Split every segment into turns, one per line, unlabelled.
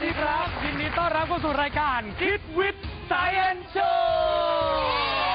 ดีครับยินดีต้อนรับเข้าสู่รายการคิดวิทย์ไซเอนซ์โชว์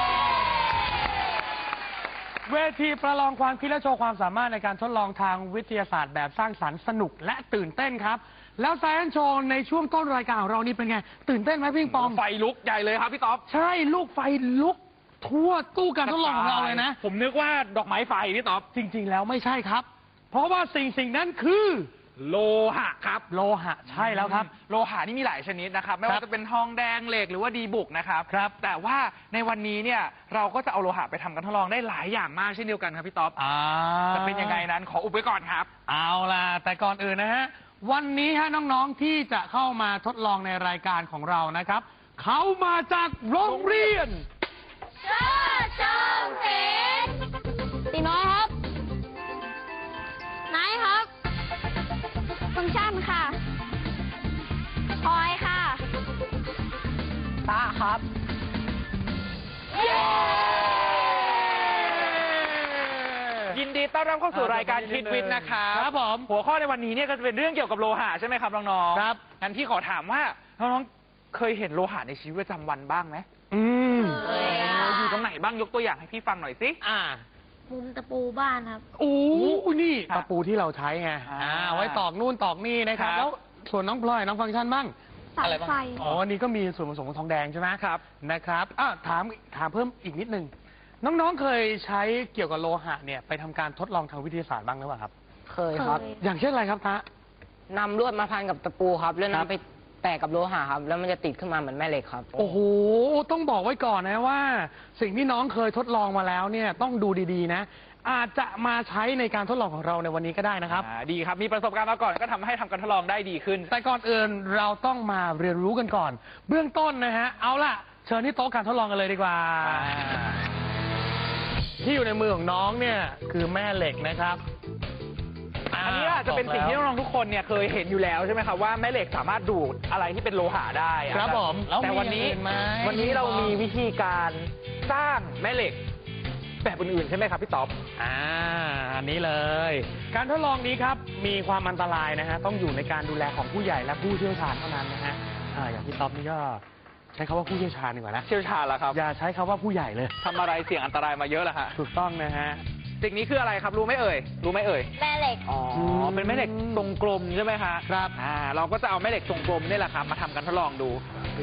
เวทีประลองความคิดและโชว์ความสามารถในการทดลองทางวิทยาศาสตร์แบบสร้างสรรค์สนุกและตื่นเต้นครับแล้วไซเอนซ์โชว์ในช่วงต้นรายการของเรานี่เป็นไงตื่นเต้นไหมพี่ปอง
ไฟลุกใหญ่เลยครับพี่ต๊อบ
ใช่ลูกไฟลุกทั่วตู้การทดลองของเราเลยนะ
ผมนึกว่าดอกไม้ไฟพี่ต๊อบ
จริงๆแล้วไม่ใช่ครับเพราะว่าสิ่งนั้นคือ
โลหะครับ
โลหะใช่แล้วครับ
โลหะนี่มีหลายชนิดนะครับไม่ว่าจะเป็นทองแดงเหล็กหรือว่าดีบุกนะครับแต่ว่าในวันนี้เนี่ยเราก็จะเอาโลหะไปทำการทดลองได้หลายอย่างมากเช่นเดียวกันครับพี่ต๊อบจะเป็นยังไงนั้นขออุบไว้ก่อนครับ
เอาล่ะแต่ก่อนอื่นนะฮะวันนี้ฮะน้องๆที่จะเข้ามาทดลองในรายการของเรานะครับเขามาจากโรงเรียน
เชิดเชิงศิลป์ตีน้อยครับไหนครับฟังก์ชันค่ะพลอยค่ะตาครับ
ยินดีต้อนรับเข้าสู่รายการคิดวิทย์นะครับ
ครับผม
หัวข้อในวันนี้เนี่ยก็จะเป็นเรื่องเกี่ยวกับโลหะใช่ไหมครับน้องๆ
ครับ
งั้นพี่ขอถามว่าน้องๆเคยเห็นโลหะในชีวิตประจำวันบ้างไหมอยู่ตรงไหนบ้างยกตัวอย่างให้พี่ฟังหน่อยสิ
มุมตะปูบ้านครับ
โอ้นี่ตะปูที่เราใช้ไงไว้ตอกนู่นตอกนี่นะครับแล้วส่วนน้องพลอยน้องฟังก์ชันบ้าง
สายไฟ
อ๋อนี่ก็มีส่วนผสมของทองแดงใช่ไหมครับนะครับถามเพิ่มอีกนิดนึงน้องๆเคยใช้เกี่ยวกับโลหะเนี่ยไปทำการทดลองทางวิทยาศาสตร์บ้างหรือเปล่าครับ
เคยครับ
อย่างเช่นอะไรครับทะ
นำลวดมาพันกับตะปูครับแล้วนำไปแปะกับโลหะครับแล้วมันจะติดขึ้นมาเหมือนแม่เหล็กครับ
โอ้โหต้องบอกไว้ก่อนนะว่าสิ่งที่น้องเคยทดลองมาแล้วเนี่ยต้องดูดีๆนะอาจจะมาใช้ในการทดลองของเราในวันนี้ก็ได้นะครับ
ดีครับมีประสบการณ์มาก่อนก็ทำให้ทำการทดลองได้ดีขึ้น
แต่ก่อนอื่นเราต้องมาเรียนรู้กันก่อนเบื้องต้นนะฮะเอาล่ะเชิญที่โต๊ะการทดลองกันเลยดีกว่าที่อยู่ในมือของน้องเนี่ยคือแม่เหล็กนะครับ
อันนี้จะเป็นสิ่งที่น้องๆทุกคนเนี่ยเคยเห็นอยู่แล้วใช่ไหมครับว่าแม่เหล็กสามารถดูดอะไรที่เป็นโลหะได้
ครับผม
แต่วันนี้เรามีวิธีการสร้างแม่เหล็กแบบอื่นๆใช่ไหมครับพี่ต๊อบ
อันนี้เลยการทดลองนี้ครับมีความอันตรายนะฮะต้องอยู่ในการดูแลของผู้ใหญ่และผู้เชี่ยวชาญเท่านั้นนะฮะอย่างพี่ต๊อบนี่ก็ใช้คำว่าผู้เชี่ยวชาญดีกว่านะ
เชี่ยวชาญแล้วครับ
อย่าใช้คำว่าผู้ใหญ่เลย
ทำอะไรเสี่ยงอันตรายมาเยอะแล้วฮะ
ถูกต้องนะฮะ
สิ่งนี้คืออะไรครับรู้ไหมเอ่ย
แม่เหล็ก
อ๋อเป็นแม่เหล็กทรงกลมใช่ไหมคะ
ครับ
เราก็จะเอาแม่เหล็กทรงกลมนี่แหละครับมาทำการทดลองดู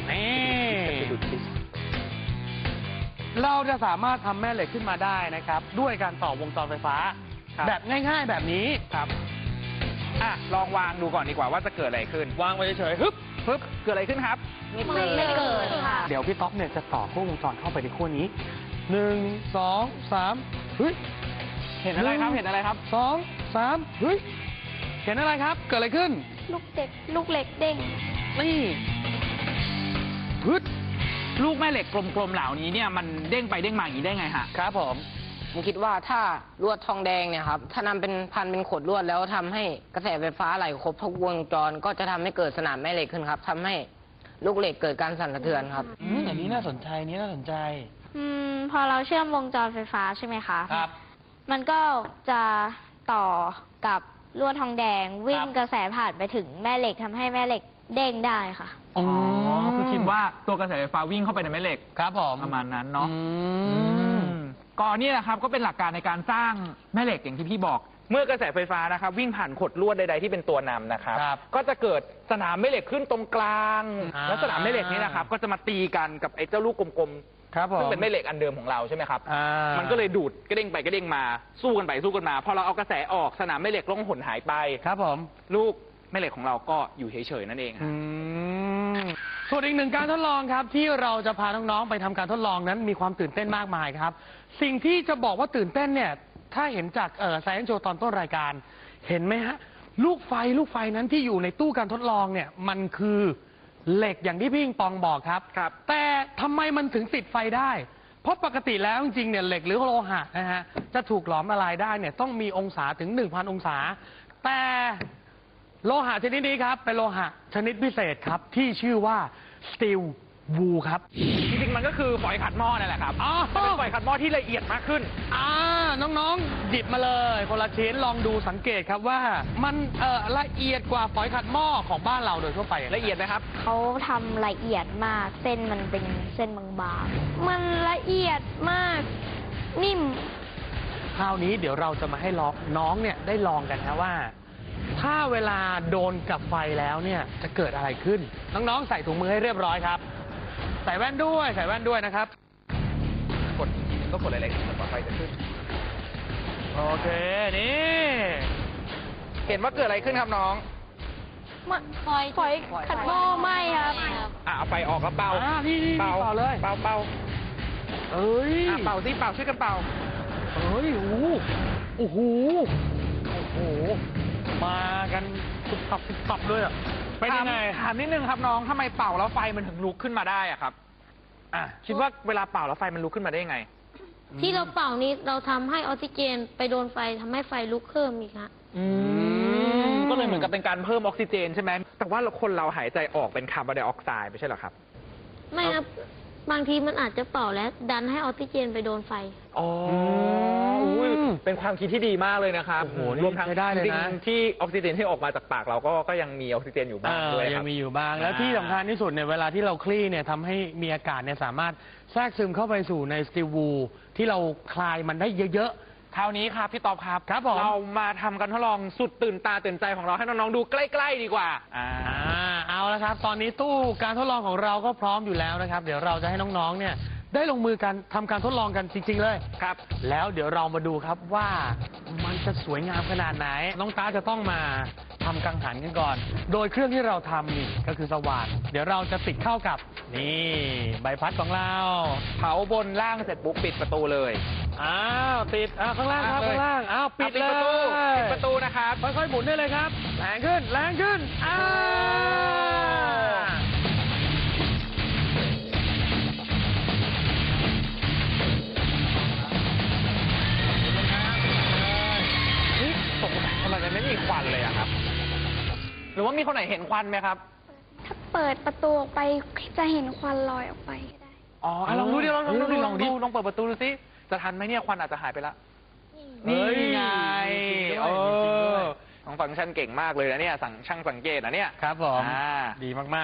เราจะสามารถทำแม่เหล็กขึ้นมาได้นะครับด้วยการต่อวงจรไฟฟ้าแบบง่ายๆแบบนี้
ครับลองวางดูก่อนดีกว่าว่าจะเกิดอะไรขึ้น
วางไว้เฉยๆฮึบ
เกิดอะไรขึ้นครับ
ไม่เกิดค่ะ
เดี๋ยวพี่ต๊อกเนี่ยจะต่อขั้ววงจรเข้าไปในขั้วนี้1 2 3เฮ้ย
เห็นอะไรครับ
2 3เฮ้ยเห็นอะไรครับเกิดอะไรขึ้น
ลูกเหล็กเด้ง
นี่ฮึด
ลูกแม่เหล็กกลมๆเหล่านี้เนี่ยมันเด้งไปเด้งมาอย่างนี้ได้ไงฮะ
ครับผม
คิดว่าถ้าลวดทองแดงเนี่ยครับถ้านำเป็นพันเป็นขดลวดแล้วทำให้กระแสไฟฟ้าไหลครบทุกวงจรก็จะทำให้เกิดสนามแม่เหล็กขึ้นครับทำให้ลูกเหล็กเกิดการสั่นสะเทือนครับ
อันนี้น่าสนใจ
พอเราเชื่อมวงจรไฟฟ้าใช่ไหมคะ
ครับ
มันก็จะต่อกับลวดทองแดงวิ่งกระแสผ่านไปถึงแม่เหล็กทำให้แม่เหล็กเด้งได้ค่ะ
คือคิดว่าตัวกระแสไฟฟ้าวิ่งเข้าไปในแม่เหล็ก
ครับผม
ประมาณนั้นเนาะก่อนนี้นะครับก็เป็นหลักการในการสร้างแม่เหล็กอย่างที่พี่บอกเมื่อกระแสไฟฟ้านะครับวิ่งผ่านขดลวดใดๆที่เป็นตัวนำนะครับก็จะเกิดสนามแม่เหล็กขึ้นตรงกลางแล้วสนามแม่เหล็กนี้นะครับก็จะมาตีกันกับไอ้เจ้าลูกกลมๆซึ่งเป็นแม่เหล็กอันเดิมของเราใช่ไหมครับมันก็เลยดูดกระเด้งไปกระเด้งมาสู้กันไปสู้กันมาพอเราเอากระแสออกสนามแม่เหล็กล่องหนหายไป
ครับผม
ลูกแม่เหล็กของเราก็อยู่เฉยๆนั่นเอง
ส่วนอีกหนึ่งการทดลองครับที่เราจะพาน้องๆไปทำการทดลองนั้นมีความตื่นเต้นมากมายครับสิ่งที่จะบอกว่าตื่นเต้นเนี่ยถ้าเห็นจากไซเอนซ์โชว์ตอนต้นรายการเห็นไหมฮะลูกไฟนั้นที่อยู่ในตู้การทดลองเนี่ยมันคือเหล็กอย่างที่พี่ปิงปองบอกครับแต่ทำไมมันถึงติดไฟได้เพราะปกติแล้วจริงๆเนี่ยเหล็กหรือโลหะนะฮะจะถูกหลอมละลายได้เนี่ยต้องมีองศาถึง 1,000 องศาแต่โลหะชนิดนี้ครับเป็นโลหะชนิดพิเศษครับที่ชื่อว่าสตีลวูครับ
จริงๆมันก็คือฝอยขัดหม้อนั่นแหละครับ
อ๋อ
แต่เป็นฝอยขัดหม้อที่ละเอียดมากขึ้น
น้องๆหยิบมาเลยคนละชิ้นลองดูสังเกตครับว่ามันละเอียดกว่าฝอยขัดหม้อของบ้านเราโดยทั่วไป
ละเอียดไหมครับ
เขาทำละเอียดมาก เส้นมันเป็นเส้นบางๆ มันละเอียดมาก นิ่ม
คราวนี้เดี๋ยวเราจะมาให้น้องเนี่ยได้ลองกันนะว่า ถ้าเวลาโดนกับไฟแล้วเนี่ยจะเกิดอะไรขึ้น น้องๆใส่ถุงมือให้เรียบร้อยครับ ใส่แว่นด้วยนะครับ
ก็กดอะไรๆต่อไฟจะขึ้น
โอเคนี่
เห็นว่าเกิดอะไรขึ้นครับน้อง
ฝอยขัดหม้อไหมครับ
เอาไฟออกแล้วเป่า
นี่เป่าเลย
เป่า
เอ้ย
เป่าสิเป่าช่วยกันเป่า
เอ้ยโอ้โหมากันตุบตับด้วยอ่ะเป็นยังไง
ถามนิดนึงครับน้องทำไมเป่าแล้วไฟมันถึงลุกขึ้นมาได้อะครับคิดว่าเวลาเป่าแล้วไฟมันลุกขึ้นมาได้ยังไง
ที่เราเป่านี้เราทำให้ออกซิเจนไปโดนไฟทำให้ไฟลุกเพิ่มอีกฮะ
ก็เลยเหมือนกับเป็นการเพิ่มออกซิเจนใช่ไหมแต่ว่าคนเราหายใจออกเป็นคาร์บอนไดออกไซด์ไม่ใช่เหรอครับ
ไม่ครับ บางทีมันอาจจะเป่าแล้วดันให้ออกซิเจนไปโดนไฟ
อ๋ออุ้ยเป็นความคิดที่ดีมากเลยนะครับ
โอ้โหนี่
รวมทั้ง
ใช้ได้เลยนะ
จริงๆที่ออกซิเจนที่ออกมาจากปากเราก็ยังมีออกซิเจนอยู่บ้างด้วยค
ยั
รับ
งมีอยู่บ้างแล้วที่สำคัญที่สุดเนี่ยเวลาที่เราคลี่เนี่ยทำให้มีอากาศเนี่ยสามารถแทรกซึมเข้าไปสู่ในสตีลวูลที่เราคลายมันได้เยอะ
คราวนี้ครับพี่ตอบครับ
ครับผม
เรามาทำกันทดลองสุดตื่นตาตื่นใจของเราให้น้องๆดูใกล้ๆดีกว่า
เอาละครับ ตอนนี้ตู้การทดลองของเราก็พร้อมอยู่แล้วนะครับ เดี๋ยวเราจะให้น้องๆเนี่ยได้ลงมือกันทำการทดลองกันจริง ๆ เลย
ครับ
แล้วเดี๋ยวเรามาดูครับว่ามันจะสวยงามขนาดไหน น้องตาจะต้องมาทำกังหันกันก่อน โดยเครื่องที่เราทำนี่ก็คือสว่านเดี๋ยวเราจะติดเข้ากับนี่ใบพัดของเรา
เผาบนล่างเสร็จปุ๊บปิดประตูเลย
ติดข้างล่างครับข้างล่างปิดเลย
ปิดประตูนะครับ
ค่อยๆหมุนได้เลยครับแรงขึ้น
ทำไมมันไม่มีควันเลยอะครับ หรือว่ามีคนไหนเห็นควันไหมครับ
ถ้าเปิดประตูออกไปจะเห็นควันลอยออกไปก็ได้
อ๋อลองดูดิลอง
ลองดิ
ลองเปิดประตูดูสิจะทันไหมเนี่ยควันอาจจะหายไปละ
นี่
นี่ไง
จริงด้วย
น้องฟังก์ชันเก่งมากเลยนะเนี่ยช่างสังเกตนะเนี่ย
ครับผม
อ่า
ดีมากๆ